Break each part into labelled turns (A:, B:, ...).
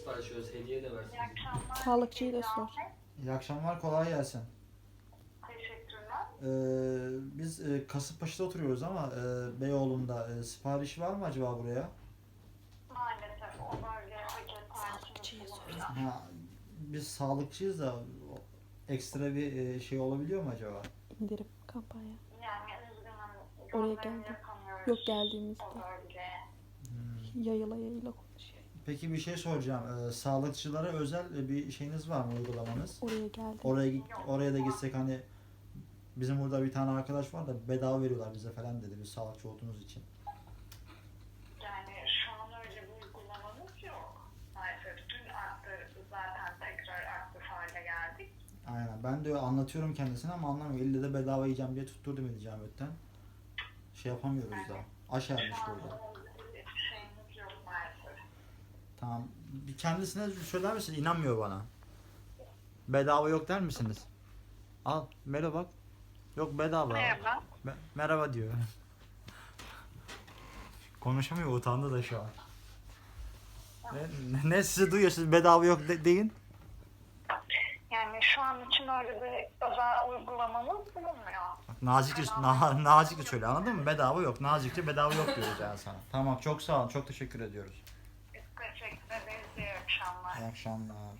A: sipariş veriyoruz. Hediye de versin.
B: İyi akşamlar.
C: Sağlıkçıyı da sor.
D: İyi akşamlar, kolay gelsin.
B: Teşekkürler.
D: Biz Kasımpaşa'da oturuyoruz ama Beyoğlu'nda sipariş var mı acaba buraya?
B: Maalesef o bölge
C: Sağlıkçıyı sor.
D: Ha, biz sağlıkçıyız da ekstra bir şey olabiliyor mu acaba?
C: İndirim kampanya.
B: Yani üzgünüm.
C: Oraya
B: gönderim
C: geldi.
B: yapamıyoruz
C: Yok, geldiğimizde.
B: o bölgeye.
C: Yayıla konuşuyor.
D: Peki bir şey soracağım. Sağlıkçılara özel bir şeyiniz var mı, uygulamanız?
C: Oraya geldi.
D: Oraya da gitsek hani bizim burada bir tane arkadaş var da bedava veriyorlar bize falan dedi, biz sağlıkçı olduğumuz için.
B: Yani şu an öyle bir uygulamamız yok. Maalesef dün arttı, zaten tekrar aktif hale geldik.
D: Aynen. Ben de anlatıyorum kendisine ama anlamıyor. İlle de bedava yiyeceğim diye tutturdu beni Camet'ten. Şey yapamıyoruz da. Aş ermiş
B: Şu an
D: burada.
B: bir şeyimiz yok maalesef.
D: Tamam. Bir kendisine söyler misin? İnanmıyor bana. Bedava yok der misiniz? Al. Merhaba bak. Yok bedava.
B: Merhaba.
D: Merhaba diyor. Konuşamıyor, utandı da şu an. Ne sizi duyuyor, siz bedava yok deyin.
B: Yani şu an için öyle bir özel uygulamamız bulunmuyor.
D: Nazikçe söyle, anladın mı? Bedava yok. Nazikçe bedava yok diyoruz yani sana. Tamam, çok sağ olun. Çok teşekkür ediyoruz.
B: Biz teşekkür ederiz. İyi akşamlar.
D: İyi akşamlar.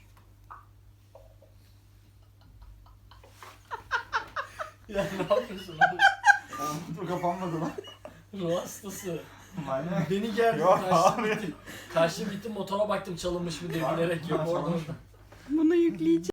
A: Ya ne yapıyorsun abi?
D: Dur, kapanmadı lan.
A: Ruh hastası.
D: Aynen.
A: Beni gerdi.
D: Yok
A: Kaçtım
D: abi.
A: gittim. Kaçtım gittim motora baktım çalınmış mı diye bilerek yok orada.
C: Bunu yükleyeceğim.